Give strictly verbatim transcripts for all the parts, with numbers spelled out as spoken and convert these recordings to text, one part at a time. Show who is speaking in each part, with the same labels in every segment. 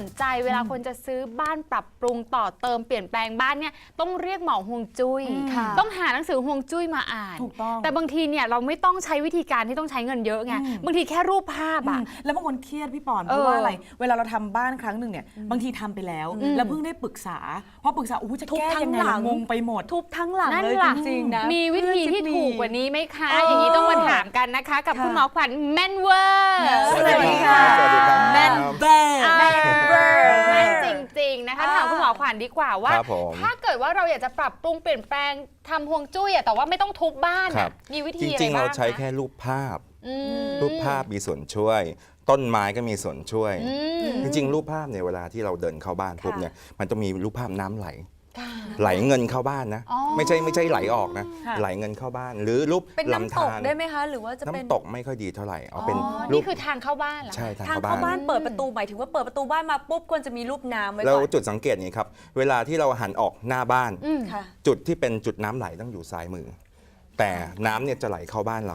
Speaker 1: ใจเวลาคนจะซื้อบ้านปรับปรุงต่อเติมเปลี่ยนแปลงบ้านเนี่ยต้องเรียกหมอฮวงจุ้ยต้องหาหนังสือฮวงจุ้ยมาอ่าน
Speaker 2: ถูกต้อง
Speaker 1: แต่บางทีเนี่ยเราไม่ต้องใช้วิธีการที่ต้องใช้เงินเยอะไงบางทีแค่รูปภาพอะ
Speaker 2: แล้วบางคนเครียดพี่ปอนเพราะว่าอะไรเวลาเราทำบ้านครั้งหนึ่งเนี่ยบางทีทำไปแล้วแล้วเพิ่งได้ปรึกษาพอปรึกษาอู้จะแก้ยังไงงงไปหมด
Speaker 3: ทุบทั้งหลังเลยจริงๆนะ
Speaker 1: มีวิธีที่ถูกกว่านี้ไหมคะอย่างนี้ต้องมาถามกันนะคะกับคุณหมอขวัญแม่นเวอร์
Speaker 2: สวัสดีค่ะ
Speaker 1: แม่น
Speaker 2: เบอร์
Speaker 1: แม่นเวอร์แม่นจริงๆนะคะถามคุณหมอขวัญดีกว่าว่าถ้าเกิดว่าเราอยากจะปรับปรุงเปลี่ยนแปลงทำฮวงจุ้ยแต่ว่าไม่ต้องทุบบ้านมีวิธีอะไรบ้าง
Speaker 4: จริงๆเราใช้แค่รูปภาพรูปภาพมีส่วนช่วยต้นไม้ก็มีส่วนช่วยจริงๆรูปภาพเนี่ยเวลาที่เราเดินเข้าบ้านปุ๊บเนี่ยมันต้องมีรูปภาพน้ำไหลไหลเงินเข้าบ้านนะไม่ใช่ไม่ใช่ไหลออกนะไหลเงินเข้าบ้านหรือรูป
Speaker 3: ลำธารได้ไหมคะหรือว่าจะเป็น
Speaker 4: น้ำตกไม่ค่อยดีเท่าไหร่เอาเป็น
Speaker 1: นี่คือทางเข้าบ้านเหรอ
Speaker 4: ใช่ทาง
Speaker 3: เข้าบ้านเปิดประตูหมายถึงว่าเปิดประตูบ้านมาปุ๊บควรจะมีรูปน้ำไว้ก่อน
Speaker 4: แล้วจุดสังเกตนี้ครับเวลาที่เราหันออกหน้าบ้านจุดที่เป็นจุดน้ำไหลต้องอยู่ซ้ายมือแต่น้ำเนี่ยจะไหลเข้าบ้านเรา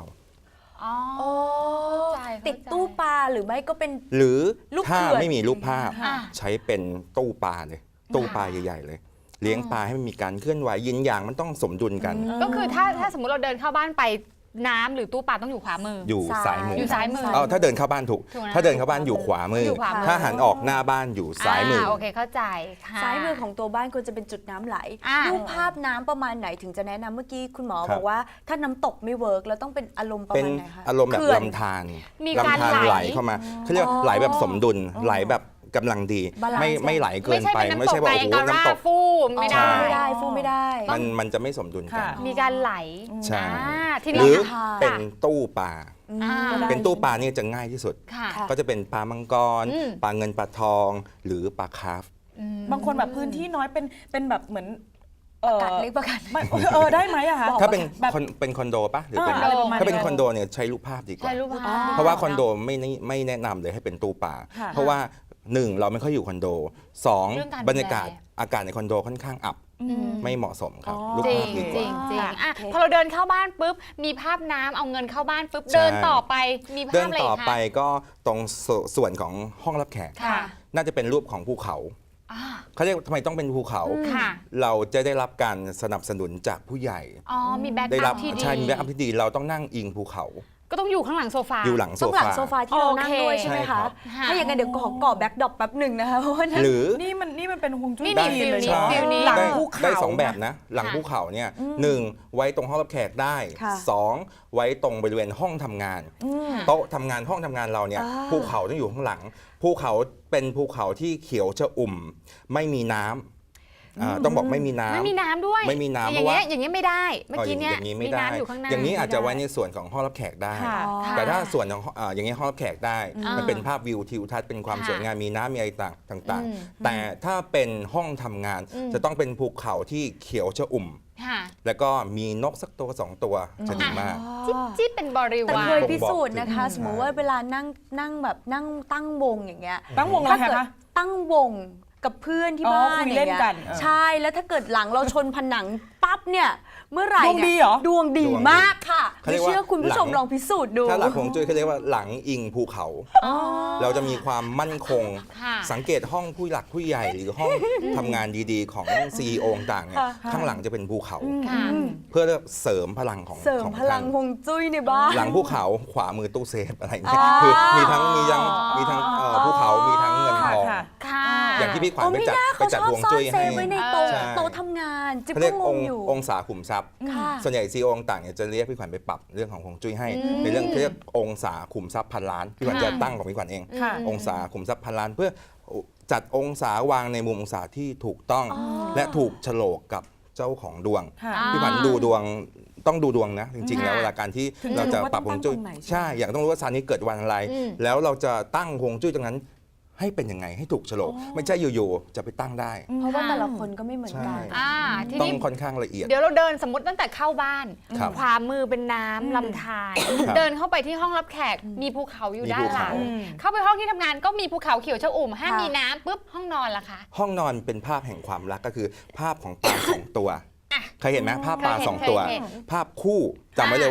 Speaker 3: ติดตู้ปลาหรือไม่ก็เป็น
Speaker 4: หรือถ้าไม่มีรูปภาพใช้เป็นตู้ปลาเลยตู้ปลาใหญ่ๆเลยเลี้ยงปลาให้มันมีการเคลื่อนไหวยินอย่างมันต้องสมดุลกัน
Speaker 1: ก็คือถ้าถ้าสมมติเราเดินเข้าบ้านไปน้ำหรือตู้ปลาต้องอยู่ขวามือ
Speaker 4: อยู่ซ้ายมือ
Speaker 1: อยู่ซ้ายมือ
Speaker 4: เออถ้าเดินเข้าบ้านถูกถ้าเดินเข้าบ้านอยู่ขวามือถ้าหันออกหน้าบ้านอยู่ซ้ายมือ
Speaker 1: โอเคเข้าใจ
Speaker 3: ซ้ายมือของตัวบ้านควรจะเป็นจุดน้ำไหลรูปภาพน้ำประมาณไหนถึงจะแนะนำเมื่อกี้คุณหมอบอกว่าถ้าน้ำตกไม่เวิร์กแล้วต้องเป็นอารมณ์ประมาณไหนคะ
Speaker 4: อารมณ์แบบลำธารลำธารไหลเข้ามาเขาเรียกไหลแบบสมดุลไหลแบบกำลังดีไม่ไม่ไหลเกินไป
Speaker 1: ไม่ใช่ว่าโอ้โหน้ำตกฟูไม่ได้
Speaker 3: ไม่ได้ฟูไม่ได้
Speaker 4: มันมันจะไม่สมดุลกัน
Speaker 1: มีการไหล
Speaker 4: ใช่หรือเป็นตู้ปลาเป็นตู้ปลานี่จะง่ายที่สุดก็จะเป็นปลามังกรปลาเงินปลาทองหรือปลาคาร์ฟ
Speaker 2: บางคนแบบพื้นที่น้อยเป็นเป็นแบบเหมือน
Speaker 3: ประกาศเล็กประกาศ
Speaker 2: เออได้ไหมอะคะ
Speaker 4: ถ้าเป็นเป็นคอนโดปะหรือเป็นถ้าเป็นคอนโดเนี่ยใช้รูปภาพดีกว่าเพราะว่าคอนโดไม่ไม่แนะนำเลยให้เป็นตู้ปลาเพราะว่าหนึ่งเราไม่ค่อยอยู่คอนโดสองบรรยากาศอากาศในคอนโดค่อนข้างอับไม่เหมาะสมครับรูปภาพดีกว่า
Speaker 1: จริงจริงอ่ะพอเราเดินเข้าบ้านปุ๊บมีภาพน้ำเอาเงินเข้าบ้านปุ๊บเดินต่อไปมีภาพอะไรคะเดิน
Speaker 4: ต่อไปก็ตรงส่วนของห้องรับแขกน่าจะเป็นรูปของภูเขาเขาเรียกทำไมต้องเป็นภูเขาเราจะได้รับการสนับสนุนจากผู้ใหญ่
Speaker 1: อ๋อมีแบ็คอัพที่ดี
Speaker 4: ใช่มีแบ็คอัพที่ดีเราต้องนั่งอิงภูเขา
Speaker 1: ก็ต้องอยู่ข้างหลังโซฟา
Speaker 4: อยู่หลังโซฟา
Speaker 3: ต้องหลังโซฟาที่เรานั่งด้วยใช่ไหมคะถ้าอย่างนั้นเดี๋ยวขอก่อแบ็คดรอปแป๊บหนึ่งนะคะเพราะว่า
Speaker 4: หรือ
Speaker 2: นี่มันนี่มันเป็นฮวงจุ้ย
Speaker 1: ได้
Speaker 2: หลังภูเขา
Speaker 4: ได้สองแบบนะหลังภูเขาเนี่ยหนึ่งไว้ตรงห้องรับแขกได้สองไว้ตรงบริเวณห้องทำงานโต๊ะทำงานห้องทำงานเราเนี่ยภูเขาต้องอยู่ข้างหลังภูเขาเป็นภูเขาที่เขียวชอุ่มไม่มีน้ำต้องบอกไม่มีน้ำ
Speaker 1: ไม่มีน้ำด้วย
Speaker 4: ไม่มีน้ำ
Speaker 1: เพราะว่าอย่างนี้ไม่ได้เมื่อกี้เนี่ยมีน้ำอยู่ข้างหน้า
Speaker 4: อย่างนี้อาจจะไว้ในส่วนของห้องรับแขกได้แต่ถ้าส่วนของอย่างนี้ห้องรับแขกได้มันเป็นภาพวิวทิวทัศน์เป็นความสวยงามมีน้ำมีอะไรต่างๆแต่ถ้าเป็นห้องทำงานจะต้องเป็นภูเขาที่เขียวชอุ่มแล้วก็มีนกสักตัวสองตัวจะดีมาก
Speaker 1: จิ๊บเป็นบริวารแต่
Speaker 3: เคยพิสูจน์นะคะสมมติว่าเวลานั่งนั่งแบบนั่งตั้งวงอย่างเงี้ย
Speaker 2: ตั้งวงอะไรคะ
Speaker 3: ตั้งวงกับเพื่อนที่บ้าน
Speaker 2: คุยเล่นกัน
Speaker 3: ใช่แล้วถ้าเกิดหลังเราชนผนังปั๊บเนี่ยเมื่อไหร่
Speaker 2: ดวงดีเหรอ
Speaker 3: ดวงดีมากค่ะไม่เชื่อคุณผู้ชมลองพิสูจน์ดู
Speaker 4: ถ้าหลักของจุ้ยเขาเรียกว่าหลังอิงภูเขาเราจะมีความมั่นคงสังเกตห้องผู้หลักผู้ใหญ่หรือห้องทำงานดีๆของ ซี อี โอ ต่างๆเนี่ยข้างหลังจะเป็นภูเขาเพื่อเสริมพลังของ
Speaker 3: เสริมพลังฮวงจุ้ยในบ้าน
Speaker 4: หลังภูเขาขวามือตู้เซฟอะไรเงี้ยคือมีทั้งมีทั้งมีทั้งภูเขามีทั้งเงินทองอย่างที่พี่ขวัญไปจัดไปจัดฮวงจุ้ยให้
Speaker 3: ไว้ในโต๊ะโต๊ะทำงานจิ๊บก็งงอยู่
Speaker 4: องศาขุมทรัพย์ส่วนใหญ่ซี อี โอ ต่างๆจะเรียกพี่ขวัญไปปรับเรื่องของฮวงจุ้ยให้ในเรื่องเรียกองศาขุมทรัพย์พันล้านพี่ขวัญจะตั้งของพี่ขวัญเององศาขุมทรัพย์พันล้านเพื่อจัดองศาวางในมุมองศาที่ถูกต้องและถูกโฉลกกับเจ้าของดวงพี่ขวัญดูดวงต้องดูดวงนะจริงๆแล้วเวลาการที่เราจะปรับฮวงจุ้ยใช่อย่างต้องรู้ว่าซานี้เกิดวันอะไรแล้วเราจะตั้งฮวงจุ้ยตรงนั้นให้เป็นยังไงให้ถูกโฉลกไม่ใช่อยู่ๆจะไปตั้งได้
Speaker 3: เพราะว่าแต่ละคนก็ไม่เหมือนกัน
Speaker 4: ต้องค่อนข้างละเอียด
Speaker 1: เดี๋ยวเราเดินสมมติตั้งแต่เข้าบ้านขวามือเป็นน้ำลำธารเดินเข้าไปที่ห้องรับแขกมีภูเขาอยู่ด้านหลังเข้าไปห้องที่ทำงานก็มีภูเขาเขียวชอุ่มห้ามมีน้ำปุ๊บห้องนอนล่ะคะ
Speaker 4: ห้องนอนเป็นภาพแห่งความรักก็คือภาพของปลาสองตัวเคยเห็นไหมภาพปลาสองตัวภาพคู่จำไว้เลยว่า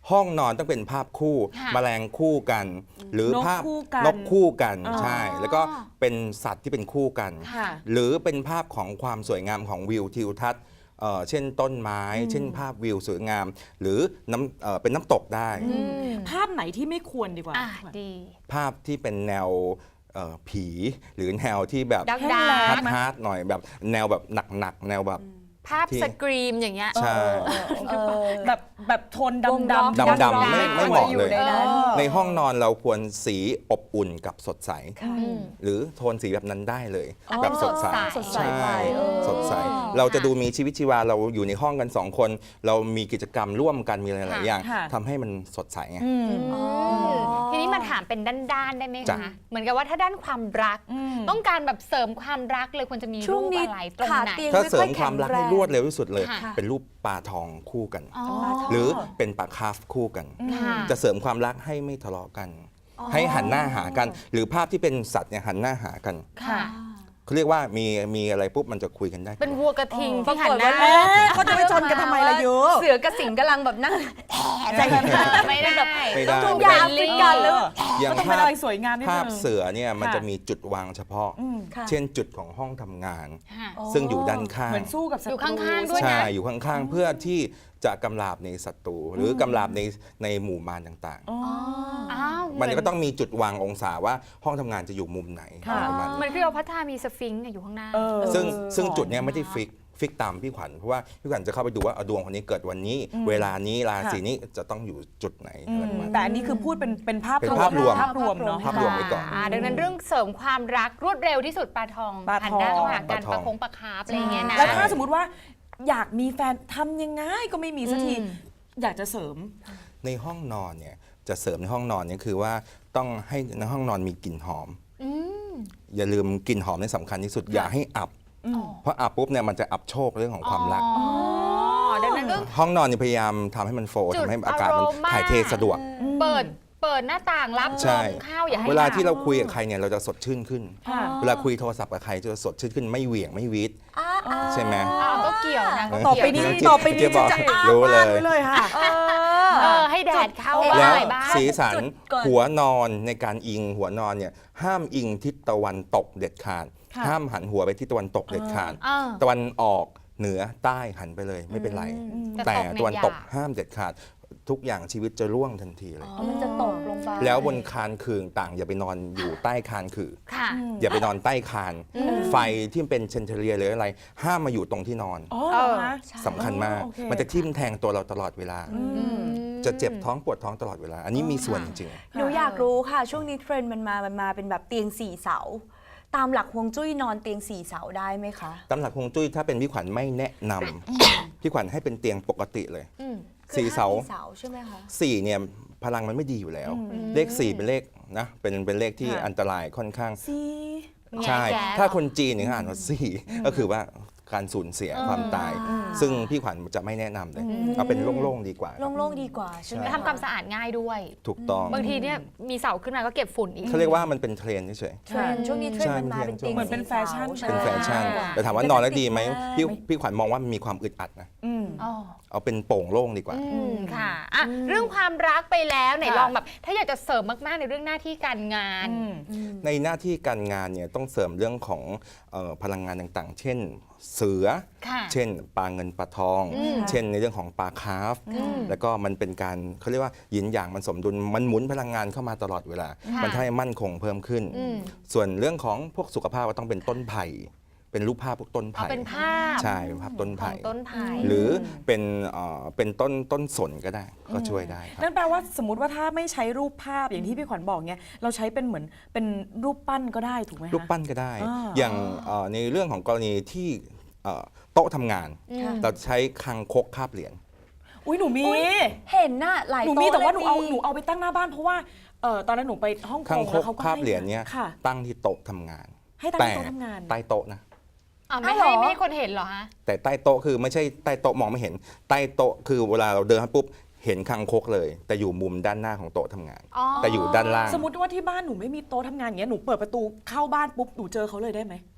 Speaker 4: ห้องนอนต้องเป็นภาพคู่
Speaker 1: ค่ะ
Speaker 4: แมลงคู่กัน หรือน
Speaker 2: ก
Speaker 4: ภาพ
Speaker 2: คู่กัน
Speaker 4: นกคู่กัน
Speaker 2: อ๋อ
Speaker 4: ใช่ แล้วก็เป็นสัตว์ที่เป็นคู่กัน
Speaker 2: ค่ะ
Speaker 4: หรือเป็นภาพของความสวยงามของวิวทิวทัศน์เอ่อเช่นต้นไม้ เช่นภาพวิวสวยงาม หรือน้ำเอ่อเป็นน้ำตกได้
Speaker 2: ภาพไหนที่ไม่ควรดีกว่า
Speaker 1: อ่ะดี
Speaker 4: ภาพที่เป็นแนวเอ่อผี หรือแนวที่แบบ
Speaker 1: ดัก
Speaker 2: แห้ง
Speaker 1: ดา
Speaker 2: แล้
Speaker 4: ฮาง ร์ดฮาร์ดหน่อยแบบแนวแบบหนักๆแนวแบบ
Speaker 1: ภาพ
Speaker 4: ที่
Speaker 1: สกรีมอย่างเงี้ย
Speaker 4: ใช่
Speaker 3: เออ
Speaker 2: แบบแบบโทนดำ
Speaker 3: วงล็อก
Speaker 2: ดำ
Speaker 4: ดำๆไม่ไม่เหมาะเลย
Speaker 3: ในนั้น
Speaker 4: ในห้องนอนเราควรสีอบอุ่นกับสดใส
Speaker 1: อืม
Speaker 4: หรือโทนสีแบบนั้นได้เลย
Speaker 1: อ๋อ
Speaker 4: แบบสดใส
Speaker 1: สดใส
Speaker 4: ใช่
Speaker 3: ไปเออ
Speaker 4: สดใส เราจะดูมีชีวิตชีวาเราอยู่ในห้องกันสองคน เรามีกิจกรรมร่วมกันมีหลายๆอย่าง
Speaker 2: ค่ะ
Speaker 4: ทำให้มันสดใสไง
Speaker 2: อืม
Speaker 1: อืมทีนี้มาถามเป็นด้านๆได้ไหม
Speaker 4: จ้ะ
Speaker 1: คะ เหมือนกับว่าถ้าด้านความรัก
Speaker 2: อืม
Speaker 1: ต้องการแบบเสริมความรักเลยควรจะมี
Speaker 3: ช่
Speaker 1: รู
Speaker 3: วง
Speaker 1: ป
Speaker 3: นี้
Speaker 1: อะไรตรง
Speaker 3: ขา
Speaker 1: ไหน
Speaker 3: เตียง
Speaker 4: ถ้า
Speaker 3: ไม่
Speaker 4: เสริ
Speaker 3: ค่อ
Speaker 4: ม
Speaker 3: ย
Speaker 4: ควา
Speaker 3: แข็
Speaker 4: ม
Speaker 3: ง
Speaker 4: รัก
Speaker 3: แร
Speaker 4: ให้
Speaker 3: ง
Speaker 4: รวดเร็วที่สุดเลย
Speaker 1: ค่ะ
Speaker 4: เป็นรูปปลาทองคู่กัน
Speaker 1: อ๋อ
Speaker 4: หรือเป็นปลาคาร์ฟคู่กัน
Speaker 1: ค่ะ
Speaker 4: จะเสริมความรักให้ไม่ทะเลาะกัน ให้หันหน้าหากัน หรือภาพที่เป็นสัตว์เนี่ยหันหน้าหากัน
Speaker 1: ค่ะ
Speaker 4: เขาเรียกว่ามีมีอะไรปุ๊บมันจะคุยกันได้
Speaker 1: เป็นวัวกระทิง
Speaker 3: ปรา
Speaker 1: ที่
Speaker 3: ก
Speaker 1: หัน
Speaker 3: ฏ
Speaker 1: หน้า
Speaker 3: ว่า
Speaker 2: เอ๊ะเขาจะไปชนกันทำไมล่ะยู
Speaker 3: เสือกับสิงห์กำลังแบบนั่งแผลใจกัน
Speaker 1: ไม่ได้
Speaker 4: ไม่ได้
Speaker 3: ทุกอย่างติดกันแล้ว
Speaker 4: อย่าง
Speaker 2: ต้องเป็น
Speaker 4: ภา
Speaker 2: อะ
Speaker 4: พ
Speaker 2: ไรสวยงามนิด
Speaker 4: ภา
Speaker 2: นึ
Speaker 4: พ
Speaker 2: ง
Speaker 4: เสือเนี่ยมัน
Speaker 2: ค่ะ
Speaker 4: จะมีจุดวางเฉพาะ
Speaker 2: อืม
Speaker 3: ค่ะ
Speaker 4: เช่นจุดของห้องทำงาน
Speaker 1: ค่ะ
Speaker 4: ซึ่งอยู่ด้านข้าง
Speaker 2: เหมือนสู้กับศัตรู
Speaker 1: อยู่ข้างๆด้วย
Speaker 4: ใช่อยู่ข้างๆ เพื่อที่จะกำราบในศัตรูหรือกำราบในในหมู่มารต่าง
Speaker 2: อ๋อ
Speaker 1: อ้าว
Speaker 4: ๆ มันก็ต้องมีจุดวางองศาว่าห้องทำงานจะอยู่มุมไหน
Speaker 2: ค่ะ
Speaker 4: ประมาณ
Speaker 1: เหมื
Speaker 4: นี้
Speaker 1: อนคลีโอพัทรามีสฟิงค์อยู่ข้างหน้า
Speaker 2: เออ
Speaker 4: ซึ่งซึ่งจุดเนี้ยไม่ได้ฟิกฟิกตามพี่ขวัญเพราะว่าพี่ขวัญจะเข้าไปดูว่าเอาดวงคนนี้เกิดวันนี้ เวลานี้ราศีนี้จะต้องอยู่จุดไหนอะไรประมาณนั้น
Speaker 2: แต่อันนี้คือพูดเป็นเป็นภาพ
Speaker 4: เป็นภาพรวม
Speaker 2: ภาพรวมเนาะ
Speaker 4: ภาพรวมไว้ก่อน
Speaker 1: าดังนั้นเรื่องเสริมความรักรวดเร็วที่สุดปลาทอง
Speaker 2: ปลาทอง
Speaker 1: หันหน้าเข้าหากัน
Speaker 4: ปลาทอง
Speaker 1: ปลาคงปลาคาร์ฟอะไรอย่างเงี้ยนะ
Speaker 2: แล้วถ้าสมมติว่าอยากมีแฟนทำยังไงก็ไม่มีสักที
Speaker 1: อืม
Speaker 2: อยากจะเสริม
Speaker 4: ในห้องนอนเนี่ยจะเสริมในห้องนอนเนี่ยคือว่าต้องให้ในห้องนอนมีกลิ่นหอม
Speaker 1: อืม
Speaker 4: อย่าลืมกลิ่นหอมในสำคัญที่สุดอย่าให้อับ เพราะอับปุ๊บเนี่ยมันจะอับโชคเรื่องของความรัก
Speaker 1: อ๋อดังนั้นก็
Speaker 4: ห้องนอนเนี่ยพยายามทำให้มันโฟล์
Speaker 1: จุด
Speaker 4: ทำให้อากาศมัน
Speaker 1: อารมณ์มาก
Speaker 4: ถ่ายเทสะดวก
Speaker 1: เปิดเปิดหน้าต่างรับล
Speaker 4: ใช่
Speaker 1: มเข้าอย่าให้
Speaker 4: เวลาที่เรา
Speaker 1: หนว
Speaker 4: คุยกับใครเนี่ยเราจะสดชื่นขึ้น
Speaker 2: ค่ะ
Speaker 4: เวลาคุยโทรศัพท์กับใครจะสดชื่นขึ้นไม่เหวี่ยงไม่วีด
Speaker 3: อ่าอ่า
Speaker 4: ใช่ไหม
Speaker 1: อ้าวก็เกี่ยวนะก็
Speaker 2: ต่อ
Speaker 1: เกี่ยว
Speaker 2: ไปนี้
Speaker 4: เกี่ยว
Speaker 2: ต่อไปนี้
Speaker 4: เกี่ยวบอก
Speaker 2: จะอ้า
Speaker 4: รู้
Speaker 2: ว
Speaker 4: เลย
Speaker 2: มากไว้เลยค่ะ
Speaker 3: เออ
Speaker 1: เออให้แดดเข้า
Speaker 3: จุด
Speaker 1: บ้าง
Speaker 4: แล้ว
Speaker 1: อะไรบ้าง
Speaker 4: สีสัน
Speaker 3: จุดก่อน
Speaker 4: หัวนอนในการอิงหัวนอนเนี่ยห้ามอิงทิศตะวันตกเด็ดขาด
Speaker 2: ค่ะ
Speaker 4: ห้ามหันหัวไปทิศตะวันตกเด็ดขาด
Speaker 1: อ่า
Speaker 4: ตะวันออกเหนือใต้หันไปเลยไม่เป็นไร
Speaker 1: แต่
Speaker 4: แต่
Speaker 1: ตกเนี่ย
Speaker 4: ตะวันตก
Speaker 1: อย่า
Speaker 4: ห้ามเด็ดขาด ทุกอย่างชีวิตจะร่วงทันทีเลย
Speaker 3: อ๋อมันจะตกลงไป
Speaker 4: แล้วบนคานคืงต่างอย่าไปนอนอยู่ใต้คานคือ
Speaker 1: ค่ะ
Speaker 4: อย่าไปนอนใต้คาน ไฟที่เป็นเชนเทเลียหรืออะไร ห้ามมาอยู่ตรงที่นอน
Speaker 2: อ๋อเหรอคะ
Speaker 4: สำคัญมาก
Speaker 2: โอเค
Speaker 4: มันจะทิ่มแทงตัวเราตลอดเวลา
Speaker 1: อืม
Speaker 4: จะเจ็บท้องปวดท้องตลอดเวลา อันนี้มีส่วนจริง
Speaker 3: หนูอยากรู้ค่ะ ช่วงนี้เทรนด์มันมา มันมาเป็นแบบเตียงสี่เสา ตามหลักฮวงจุ้ยนอนเตียงสี่เสาได้ไหมคะ
Speaker 4: ๆตำหลักฮวงจุ้ยถ้าเป็นพี่ขวัญไม่แนะนำพี่ขวัญให้เป็นเตียงปกติเลย
Speaker 1: อืม
Speaker 3: คือ
Speaker 4: สี่เสา
Speaker 3: ห้เสาใช่ไหมคะ
Speaker 4: สี่เนี่ยพลังมันไม่ดีอยู่แล้ว เลขสี่เป็นเลขนะเป็นเป็นเลขที่
Speaker 2: ค่ะ
Speaker 4: อันตรายค่อนข้าง
Speaker 2: ซี
Speaker 1: ไง
Speaker 4: ใช่
Speaker 1: แก
Speaker 4: ถ้าคนจีนเนี่ยเขาอ่านว่าสี่ก็คือว่าการสูญเสียความตาย ซึ่งพี่ขวัญจะไม่แนะนำเลย เอาเป็นโล่งๆดีกว่า
Speaker 3: โล่งๆดีกว่าใช่ไหม
Speaker 1: แล้วทำความสะอาดง่ายด้วย
Speaker 4: ถูกต้อง
Speaker 1: บางทีเนี่ยมีเสาขึ้นมาก็เก็บฝุ่นอีก
Speaker 4: เขาเรียกว่ามันเป็นเทรนด์เฉย
Speaker 3: เทรนด์ช่วงนี้เทรนด์มันมาเป็นเตียง
Speaker 2: เหมือนเป็น
Speaker 3: สี่
Speaker 2: แฟชั่น
Speaker 3: สา
Speaker 4: ๆเป็นแฟชั่น
Speaker 1: ใช่
Speaker 4: แต่ถามว่านอนแล้วดีไหมพี่พี่ขวัญมองว่ามันมีความอึดอัดนะ
Speaker 2: อืม
Speaker 1: อ๋อ
Speaker 4: เอาเป็นโป่งโล่งดีกว่า
Speaker 1: อืมค่ะอ่ะ เรื่องความรักไปแล้วไหน
Speaker 2: ค่ะ
Speaker 1: ลองแบบ ถ้าอยากจะเสริมมาก ๆ ในเรื่องหน้าที่การงาน
Speaker 2: อืม
Speaker 4: ในหน้าที่การงานเนี่ยต้องเสริมเรื่องของเอ่อพลังงานต่างๆ เช่น เสือ
Speaker 1: ค่ะ
Speaker 4: เช่นปลาเงินปลาทอง
Speaker 1: อืม
Speaker 4: เช่นในเรื่องของปลาคาร์ฟ
Speaker 1: อืม
Speaker 4: แล้วก็มันเป็นการเขาเรียกว่าหยินหยางมันสมดุลมันหมุนพลังงานเข้ามาตลอดเวลา
Speaker 1: ค่ะ
Speaker 4: มันทำให้มั่นคงเพิ่มขึ้น
Speaker 1: อืม
Speaker 4: ส่วนเรื่องของพวกสุขภาพก็ต้องเป็นต้นไผ่เป็นรูปภาพพวกต้น
Speaker 1: เอา
Speaker 4: ไผ่
Speaker 1: เป็นภาพ
Speaker 4: ใช่เป็นภาพต้น
Speaker 1: ขอ
Speaker 4: ไผ่
Speaker 1: งต้นไผ่
Speaker 4: หรือเป็นเอ่อเป็นต้นต้นสนก็ได้ก็ช่วยได้ครับ
Speaker 2: นั่นแปลว่าสมมติว่าถ้าไม่ใช้รูปภาพอย่างที่พี่ขวัญบอกเนี่ยเราใช้เป็นเหมือนเป็นรูปปั้นก็ได้ถูกไหมคะ
Speaker 4: รูปปั้นก็ได้
Speaker 2: อ่า
Speaker 4: อย่างเอ่อในเรื่องของกรณีที่เอ่อโต๊ะทำงาน
Speaker 1: อืม
Speaker 4: เราใช้คังคกคาบเหรียญ
Speaker 2: อุ้ยหนูมี
Speaker 3: เห็นน่ะหลาย
Speaker 2: หนู
Speaker 3: โต๊ะ
Speaker 2: มีแต่ว่าห
Speaker 3: ล
Speaker 2: นู
Speaker 3: ย
Speaker 2: เอาหนูเอาไปตั้งหน้าบ้านเพราะว่าเออตอนนั้นหนูไปฮ่องก
Speaker 4: คัง
Speaker 2: ง
Speaker 4: ค
Speaker 2: แล้
Speaker 4: ก
Speaker 2: วเขาก็
Speaker 4: คาบเหรียญเนี้ย
Speaker 2: ค่ะ
Speaker 4: ตั้งที่โต๊ะทำงาน
Speaker 2: ให้ตั้ง
Speaker 4: แต่
Speaker 2: ที่โต๊ะทำงาน
Speaker 4: ใต้โต๊ะนะ
Speaker 1: อ่ะไม่
Speaker 3: อ้าว
Speaker 1: ให้
Speaker 3: เหรอ
Speaker 1: ไม่ให้คนเห็นเหรอฮะ
Speaker 4: แต่ใต้โต๊ะคือไม่ใช่ใต้โต๊ะมองไม่เห็น ใต้โต๊ะคือเวลาเราเดินเข้าปุ๊บเห็นคังคกเลย แต่อยู่มุมด้านหน้าของโต๊ะทำงาน
Speaker 1: อ๋อ
Speaker 4: แต่อยู่ด้านล่าง
Speaker 2: สมมติว่าที่บ้านหนูไม่มีโต๊ะทำงานอย่างเงี้ยหนูเปิดประตูเข้าบ้านปุ๊บหนูเจอเขาเลยได้ไหม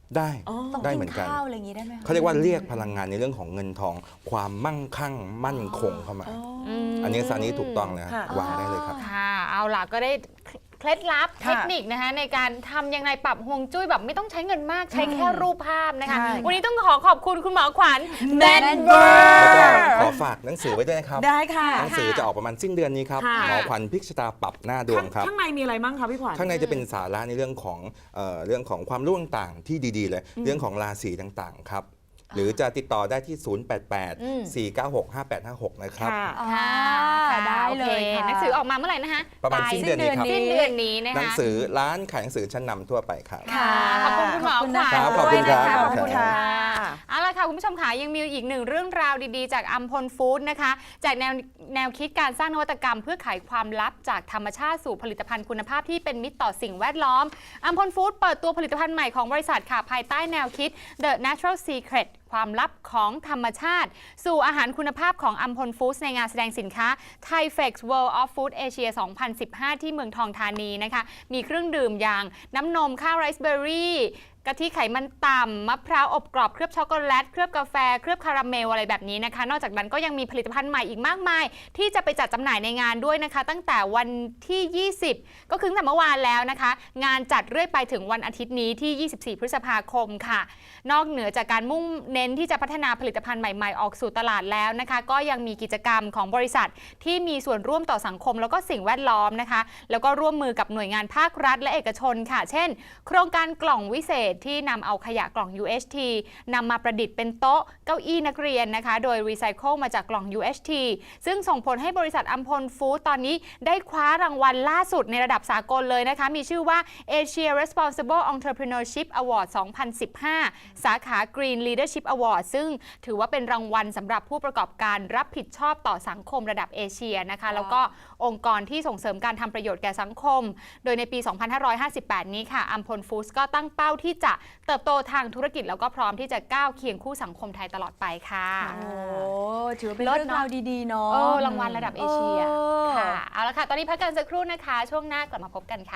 Speaker 4: ได้
Speaker 3: ต้อง
Speaker 4: ได้
Speaker 3: กิ
Speaker 4: เหมือนกัน
Speaker 3: ข้าวอะไรอย่างนี้ได้ไหมคะ
Speaker 4: เขาเรียกว่าเรียกพลังงานในเรื่องของเงินทอง ความมั่งคั่งมั่นคงเข้ามา อันนี้ซานี้ถูกต้องนะ
Speaker 2: ค่ะ
Speaker 4: วางได้เลยครับ
Speaker 1: ค่ะ เอาล่ะก็ได้เคล็ดลับเทคนิคนะคะในการทำยังไงปรับฮวงจุ้ยแบบไม่ต้องใช้เงินมากใช้แค่รูปภาพนะคะ
Speaker 2: ใช่
Speaker 1: วันนี้ต้องขอขอบคุณคุณหมอขวัญแมนเบอ
Speaker 4: แล้ว
Speaker 1: ร์
Speaker 4: ก็ขอฝากหนังสือไว้ด้วยนะครับ
Speaker 2: ได้ค่ะ
Speaker 4: หนังสือจะออกประมาณสิ้นเดือนนี้ครับ
Speaker 2: ค่ะ
Speaker 4: หมอขวัญพลิกชะตาปรับหน้าดวงครับ
Speaker 2: ข้างในมีอะไรบ้างคะพี่ขวัญ
Speaker 4: ข้างในจะเป็นสาระในเรื่องของเอ่อเรื่องของความรู้ต่างๆที่ดีๆเลย เรื่องของราศีต่างๆครับ หรือจะติดต่อได้ที่ ศูนย์ แปด แปด สี่ เก้า หก ห้า แปด ห้า หก นะครับ
Speaker 2: ค่ะ
Speaker 1: ค่ะ
Speaker 3: ค่ะได้เลย
Speaker 1: โอค
Speaker 3: ค่ะ
Speaker 1: หนังสือออกมาเมื่อไหร่นะคะ
Speaker 4: ประมาณ
Speaker 1: ปลย
Speaker 4: สิ้นเดือนนี้ครับ
Speaker 1: สิ้นเดือนนี้นะ
Speaker 4: หนัง
Speaker 1: คะ
Speaker 4: สือร้านขายหนังสือชั้นนำทั่วไปครับ
Speaker 1: ค่ะขอบคุณคุณหมอขวัญ
Speaker 4: ครับขอบ
Speaker 1: ด้
Speaker 4: คุ
Speaker 1: วย
Speaker 4: ณ
Speaker 1: นะ
Speaker 4: ครั
Speaker 1: คะ
Speaker 4: บ
Speaker 1: ขอบคุณ
Speaker 2: ค่ะ
Speaker 1: ค่ะเอาละค่ะคุณผู้ชมค่ะยังมีอีกหนึ่งเรื่องราวดีๆ จากอัมพลฟู้ดนะคะจากแนวแนวคิดการสร้างนวัตกรรมเพื่อไขความลับจากธรรมชาติสู่ผลิตภัณฑ์คุณภาพที่เป็นมิตรต่อสิ่งแวดล้อมอัมพลฟู้ดเปิดตัวผลิตภัณฑ์ใหม่ของบริษัทค่ะภายใต้แนวคิด The Natural Secret ความลับของธรรมชาติ สู่อาหารคุณภาพของอัมพลฟู้ดในงานแสดงสินค้า Thai-Fex World of Food Asia สองพันสิบห้า ที่เมืองทองธานีนะคะมีเครื่องดื่มอย่างน้ำนมข้าวไรซ์เบอร์รี่กะทิไขมันต่ำมะพร้าวอบกรอบเคลือบช็อกโกแลตเคลือบกาแฟเคลือบคาราเมลอะไรแบบนี้นะคะนอกจากนั้นก็ยังมีผลิตภัณฑ์ใหม่อีกมากมาย ที่จะไปจัดจำหน่ายในงานด้วยนะคะ ตั้งแต่วันที่ ยี่สิบ ก็คือตั้งแต่เมื่อวานแล้วนะคะ งานจัดเรื่อยไปถึงวันอาทิตย์นี้ที่ ยี่สิบสี่ พฤษภาคมค่ะ นอกเหนือจากการมุ่งเน้นที่จะพัฒนาผลิตภัณฑ์ใหม่ๆออกสู่ตลาดแล้วนะคะ ก็ยังมีกิจกรรมของบริษัทที่มีส่วนร่วมต่อสังคมแล้วก็สิ่งแวดล้อมนะคะ แล้วก็ร่วมมือกับหน่วยงานภาครัฐและเอกชนค่ะ เช่น โครงการกล่องวิเศษที่นำเอาขยะกล่อง ยู เอช ที นำมาประดิษฐ์เป็นโต๊ะเก้าอี้นักเรียนนะคะ โดยรีไซเคิลมาจากกล่อง ยู เอช ที ซึ่งส่งผลให้บริษัทอัมพลฟู้ดตอนนี้ได้คว้ารางวัลล่าสุดในระดับสากลเลยนะคะ มีชื่อว่า Asia Responsible Entrepreneurship Award สองพันสิบห้า สาขา Green Leadership Award ซึ่งถือว่าเป็นรางวัลสำหรับผู้ประกอบการรับผิดชอบต่อสังคมระดับเอเชียนะคะ แล้วก็องค์กรที่ส่งเสริมการทำประโยชน์แก่สังคม โดยในปี สองพันห้าร้อยห้าสิบแปด นี้ค่ะอัมพลฟู้ดก็ตั้งเป้าที่จะเติบโตทางธุรกิจแล้วก็พร้อมที่จะก้าวเคียงคู่สังคมไทยตลอดไปค่ะ
Speaker 3: โอ้ถือว่าเป็น
Speaker 1: เลิศ
Speaker 3: เรื่อง
Speaker 1: เนอะ
Speaker 3: ราวดีๆเนาะ
Speaker 1: เออรางวัลระดับเอเชีย
Speaker 3: เออ
Speaker 1: ค่ะเอาละค่ะตอนนี้พักกันสักครู่นะคะ ช่วงหน้ากลับมาพบกันค่ะ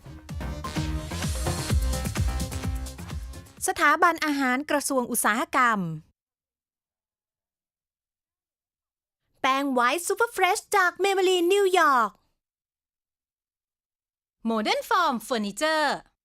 Speaker 5: สถาบันอาหารกระทรวงอุตสาหกรรม แป้งไวท์ซูเปอร์เฟรชจากเมเบลีนนิวยอร์ก โมเดิร์นฟอร์มเฟอร์นิเจอร์